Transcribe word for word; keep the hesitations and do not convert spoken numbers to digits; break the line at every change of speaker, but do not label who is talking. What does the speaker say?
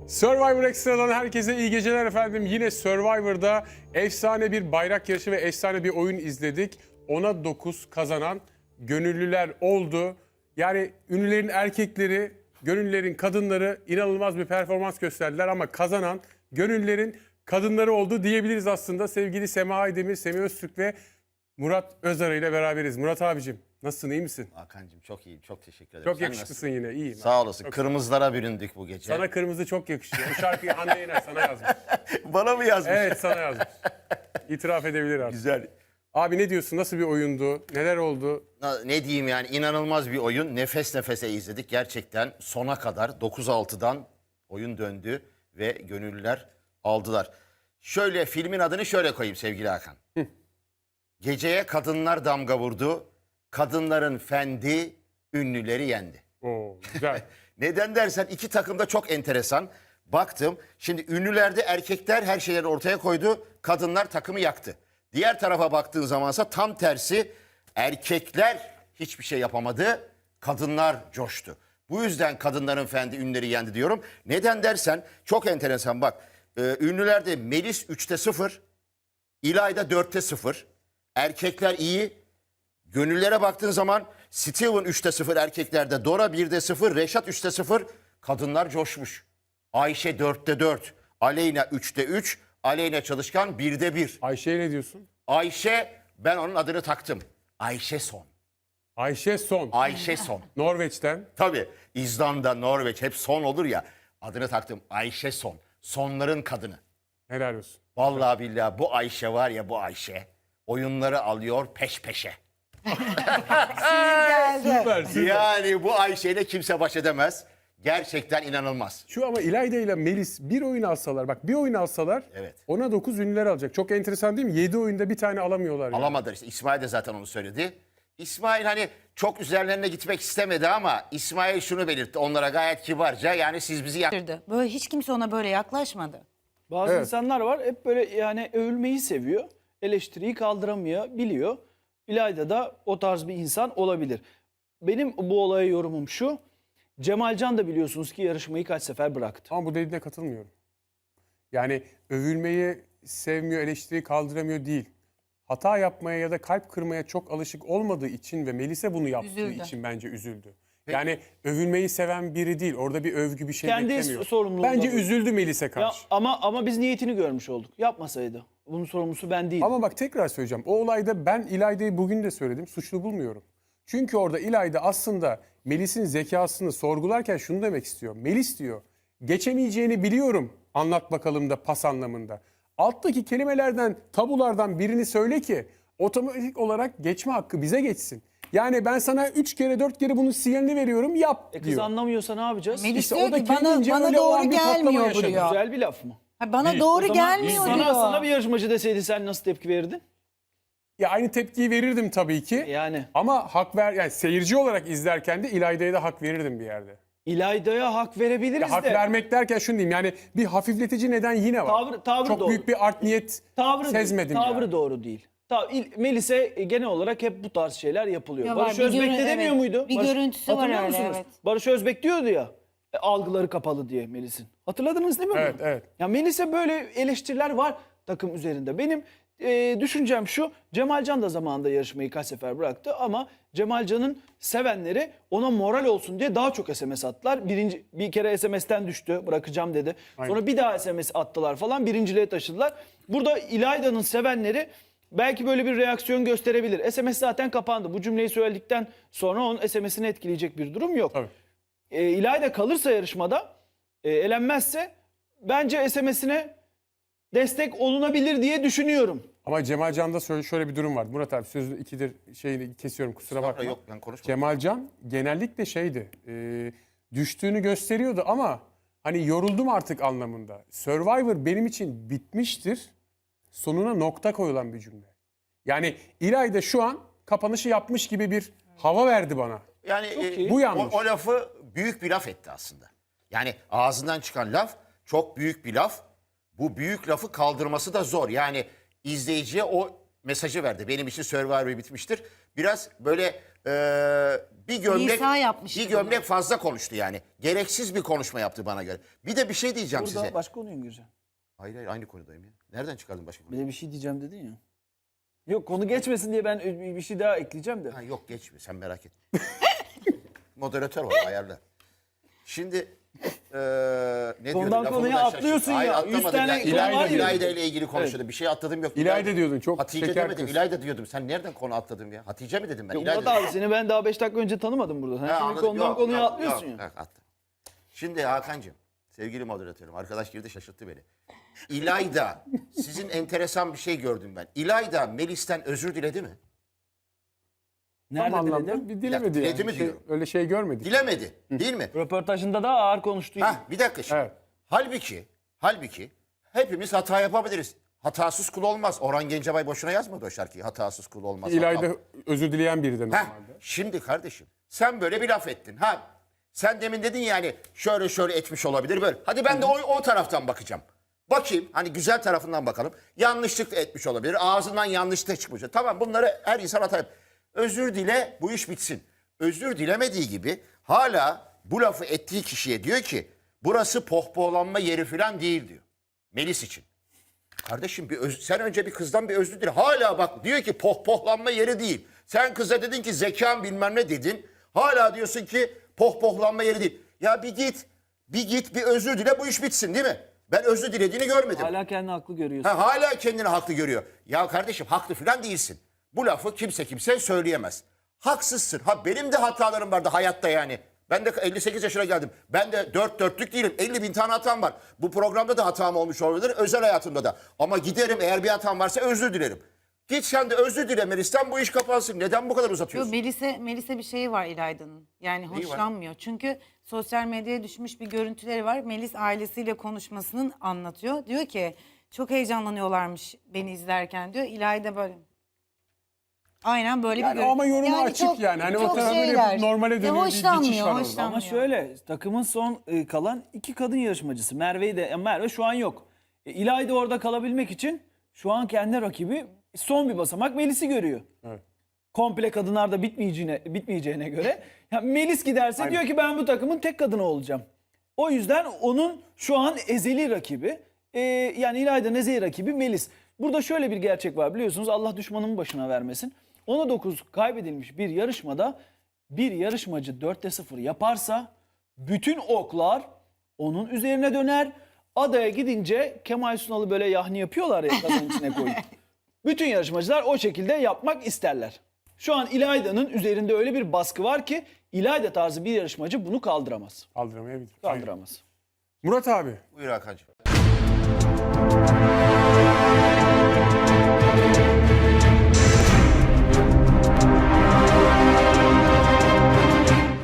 Survivor Extra'dan herkese iyi geceler efendim. Yine Survivor'da efsane bir bayrak yarışı ve efsane bir oyun izledik. ona dokuz kazanan gönüllüler oldu. Yani ünlülerin erkekleri, gönüllülerin kadınları inanılmaz bir performans gösterdiler ama kazanan gönüllülerin kadınları oldu diyebiliriz aslında. Sevgili Sema Aydemir, Semih Öztürk ve Murat Özarı ile beraberiz. Murat abicim nasılsın, iyi misin?
Hakan'cığım çok iyiyim, çok teşekkür ederim.
Çok
Sen
yakışıklısın yine, iyiyim.
Sağ olasın.
Çok
Kırmızılara büründük bu gece.
Sana kırmızı çok yakışıyor. Bu şarkıyı Hande Yener sana yazmış.
Bana mı yazmış?
Evet, sana yazmış. İtiraf edebilir artık.
Güzel.
Abi ne diyorsun? Nasıl bir oyundu? Neler oldu?
Ne diyeyim yani, inanılmaz bir oyun. Nefes nefese izledik gerçekten. Sona kadar dokuz altıdan oyun döndü ve gönüllüler aldılar. Şöyle, filmin adını şöyle koyayım sevgili Hakan. Geceye kadınlar damga vurdu. Kadınların fendi ünlüleri yendi.
Oo, güzel.
Neden dersen iki takım da çok enteresan. Baktım, şimdi ünlülerde erkekler her şeyleri ortaya koydu. Kadınlar takımı yaktı. Diğer tarafa baktığın zamansa tam tersi, erkekler hiçbir şey yapamadı. Kadınlar coştu. Bu yüzden kadınların fendi ünlüleri yendi diyorum. Neden dersen çok enteresan bak. E, ünlülerde Melis üçte sıfır, İlayda dörtte sıfır. Erkekler iyi. Gönüllere baktığın zaman Steven üçte sıfır erkeklerde, Dora birde sıfır, Reşat üçte sıfır. Kadınlar coşmuş. Ayşe dörtte dört, Aleyna üçte üç, Aleyna Çalışkan birde bir.
Ayşe'ye ne diyorsun?
Ayşe, ben onun adını taktım. Ayşe Son.
Ayşe Son.
Ayşe Son.
Norveç'ten.
Tabii İzlanda, Norveç hep son olur ya. Adını taktım Ayşe Son. Sonların kadını.
Helal olsun.
Vallahi billahi bu Ayşe var ya, bu Ayşe oyunları alıyor peş peşe.
Süper, süper.
Yani bu Ayşe'yle kimse baş edemez. Gerçekten inanılmaz.
Şu ama İlayda ile Melis bir oyun alsalar, bak bir oyun alsalar
Evet.
ona dokuz ünlüler alacak. Çok enteresan değil mi? yedi oyunda bir tane alamıyorlar. Yani.
Alamadılar işte. İsmail de zaten onu söyledi. İsmail hani çok üzerlerine gitmek istemedi ama İsmail şunu belirtti onlara gayet kibarca. Yani siz bizi yak-
Böyle hiç kimse ona böyle yaklaşmadı.
Bazı
Evet.
insanlar var hep böyle yani övülmeyi seviyor. Eleştiriyi kaldıramıyor, biliyor. İlayda da o tarz bir insan olabilir. Benim bu olaya yorumum şu. Cemalcan da biliyorsunuz ki yarışmayı kaç sefer bıraktı.
Ama bu dediğine katılmıyorum. Yani övülmeyi sevmiyor, eleştiriyi kaldıramıyor değil. Hata yapmaya ya da kalp kırmaya çok alışık olmadığı için ve Melis'e bunu yaptığı
Üzüldü.
için bence üzüldü. Yani övülmeyi seven biri değil. Orada bir övgü bir şey
Kendi
beklemiyor.
sorumluluğunda
Bence
bu.
üzüldü Melis'e
Ya,
karşı.
ama ama biz niyetini görmüş olduk. Yapmasaydı. Bunun sorumlusu ben değilim.
Ama bak tekrar söyleyeceğim. O olayda ben İlayda'yı bugün de söyledim. Suçlu bulmuyorum. Çünkü orada İlayda aslında Melis'in zekasını sorgularken şunu demek istiyor. Melis diyor, geçemeyeceğini biliyorum anlat bakalım da pas anlamında. Alttaki kelimelerden, tabulardan birini söyle ki otomatik olarak geçme hakkı bize geçsin. Yani ben sana üç kere dört kere bunun sinyalini veriyorum yap
E kız
diyor.
anlamıyorsa ne yapacağız?
Melis
İşte
diyor
o da
ki bana,
kendince
bana
öyle olan
doğru
bir patlama
gelmiyor
yaşadı.
buraya.
Güzel bir laf mı?
Ha, bana
Değil.
doğru
O zaman
gelmiyor
sana,
diyor.
sana bir yarışmacı deseydi sen nasıl tepki verirdin?
Ya aynı tepkiyi verirdim tabii ki.
Yani
Ama hak ver, yani seyirci olarak izlerken de İlayda'ya da hak verirdim bir yerde.
İlayda'ya hak verebiliriz
Ya hak
de.
vermek derken şunu diyeyim, yani bir hafifletici neden yine var.
Tavrı- tavrı
Çok
doğru.
büyük bir art niyet
Tavrı,
sezmedim
tavrı
yani.
doğru değil. Ta, İl- Melis'e e, genel olarak hep bu tarz şeyler yapılıyor.
Ya var,
Barış
bir
Özbek
görün-
de demiyor
evet.
muydu?
Bir
Barış-
görüntüsü var
hatırlıyor
öyle,
musunuz?
evet.
Barış Özbek diyordu ya, e, algıları kapalı diye Melis'in. Hatırladınız değil mi?
Evet,
bunu?
evet.
Ya Melis'e böyle eleştiriler var takım üzerinde. Benim e, düşüncem şu, Cemalcan da zamanında yarışmayı kaç sefer bıraktı ama Cemalcan'ın sevenleri ona moral olsun diye daha çok S M S attılar. Birinci, bir kere S M S'ten düştü, bırakacağım dedi. Sonra
Aynen.
bir daha S M S attılar falan, birinciliğe taşıdılar. Burada İlayda'nın sevenleri belki böyle bir reaksiyon gösterebilir. S M S zaten kapandı. Bu cümleyi söyledikten sonra onun S M S'ini etkileyecek bir durum yok.
Tabii.
E, İlayda kalırsa yarışmada, e, elenmezse bence S M S'ine destek olunabilir diye düşünüyorum.
Ama Cemalcan'da şöyle, şöyle bir durum var. Murat abi sözü ikidir şeyini kesiyorum, kusura bakma.
Yok, ben konuşmadım.
Cemalcan genellikle şeydi, e, düştüğünü gösteriyordu ama hani yoruldum artık anlamında. Survivor benim için bitmiştir. Sonuna nokta koyulan bir cümle. Yani İlayda şu an kapanışı yapmış gibi bir hava verdi bana.
Yani e,
iyi.
Bu yanlış.
O, o lafı büyük bir laf etti aslında. Yani ağzından çıkan laf çok büyük bir laf. Bu büyük lafı kaldırması da zor. Yani izleyiciye o mesajı verdi. Benim için Survivor bitmiştir. Biraz böyle Ee, bir gömlek
Nisa yapmıştı
bir gömlek
bunu.
fazla konuştu yani. Gereksiz bir konuşma yaptı bana göre. Bir de bir şey diyeceğim
Burada
size.
başka konuyu gireceğim.
Hayır hayır aynı konudayım ya. Nereden çıkardın başka
Bir
konuyu?
de bir şey diyeceğim dedin ya. Yok konu geçmesin diye ben bir şey daha ekleyeceğim de.
Ha, yok geçme sen merak etme. Moderatör var ayarla. Şimdi eee ne
Konudan
diyordum? Lafımı
konuya
da şaşırdım.
atlıyorsun ya.
Hayır,
Yüz
atlamadım.
tane
Ya,
konu
İlayda,
var ya.
İlayda ile ilgili konuşuyordum. Bir şey atladım yok.
İlayda diyordun, çok
Hatice
şeker
demedim.
kız.
İlayda diyordum. Sen nereden konu atladım ya? Hatice mi dedim ben?
Ya
İlayda
Murat
dedim.
abi seni ben daha beş dakika önce tanımadım burada. Sen
Ha,
şimdi
anladım.
konudan
Yok,
konuya
yok,
atlıyorsun
yok.
ya.
Yok, attım. Şimdi Hakan'cığım, sevgili moderatörüm, arkadaş girdi şaşırttı beni. İlayda, sizin enteresan bir şey gördüm ben. İlayda Melis'ten özür diledi mi?
Nerede
Tam anlamda
diledin?
bir dilemedi
Ya,
yani.
diledi mi
Şey-
diyorum.
öyle şey görmedik.
Dilemedi, değil mi?
Röportajında da ağır konuştu.
Ha, bir dakika şimdi.
Evet.
Halbuki, halbuki hepimiz hata yapabiliriz. Hatasız kul olmaz. Orhan Gencebay boşuna yazmadı o şarkıyı. Hatasız kul olmaz.
İlayda
Hata-
özür dileyen biri de
Heh,
normalde.
şimdi kardeşim sen böyle bir laf ettin. Ha, sen demin dedin yani şöyle şöyle etmiş olabilir böyle. Hadi ben de o, o taraftan bakacağım. Bakayım hani güzel tarafından bakalım. Yanlışlık da etmiş olabilir. Ağzından yanlış da çıkmış. Tamam bunları her insan hata yap- Özür dile bu iş bitsin. Özür dilemediği gibi hala bu lafı ettiği kişiye diyor ki burası pohpohlanma yeri falan değil diyor. Melis için. Kardeşim bir öz- sen önce bir kızdan bir özür dile. Hala bak diyor ki pohpohlanma yeri değil. Sen kıza dedin ki zekan bilmem ne dedin. Hala diyorsun ki pohpohlanma yeri değil. Ya bir git, bir git bir özür dile bu iş bitsin değil mi? Ben özür dilediğini görmedim.
Hala kendini haklı görüyorsun.
Ha, hala kendini haklı görüyor. Ya kardeşim haklı falan değilsin. Bu lafı kimse kimse söyleyemez. Haksızsın. Ha benim de hatalarım vardı hayatta yani. Ben de elli sekiz yaşına geldim. Ben de dört dörtlük değilim. elli bin tane hatam var. Bu programda da hatam olmuş olabilir. Özel hayatımda da. Ama giderim eğer bir hatam varsa özür dilerim. Git sen de özür dile Melis'ten bu iş kapansın. Neden bu kadar
Yo,
uzatıyorsun?
Melis'e, Melis'e bir şey var İlayda'nın. Yani
Neyi var?
hoşlanmıyor. Çünkü sosyal medyaya düşmüş bir görüntüleri var. Melis ailesiyle konuşmasını anlatıyor. Diyor ki çok heyecanlanıyorlarmış beni izlerken diyor. İlayda böyle. Aynen böyle
Yani
bir görüntü.
ama yorumu açık yani. Hani o
çok
tarafları
şeyler.
yapıp normale
Ya
dönüyor bir geçiş
hoşlanmıyor,
var orada.
hoşlanmıyor.
Ama şöyle takımın son e, kalan iki kadın yarışmacısı. Merve'yi de e, Merve şu an yok. E, İlayda orada kalabilmek için şu an kendi rakibi son bir basamak Melis'i görüyor.
Evet.
Komple kadınlar da bitmeyeceğine, bitmeyeceğine göre. Ya Melis giderse
Aynen.
diyor ki ben bu takımın tek kadını olacağım. O yüzden onun şu an ezeli rakibi. e, yani İlayda'nın ezeli rakibi Melis. Burada şöyle bir gerçek var biliyorsunuz Allah düşmanın başına vermesin. ona dokuz kaybedilmiş bir yarışmada bir yarışmacı dörtte sıfır yaparsa bütün oklar onun üzerine döner. Adaya gidince Kemal Sunal'ı böyle yahni yapıyorlar ya kazanın içine koyup. Bütün yarışmacılar o şekilde yapmak isterler. Şu an İlayda'nın üzerinde öyle bir baskı var ki İlayda tarzı bir yarışmacı bunu kaldıramaz.
Kaldıramayabilir. Aynen.
Kaldıramaz.
Murat abi.
Buyur Hakan'cığım.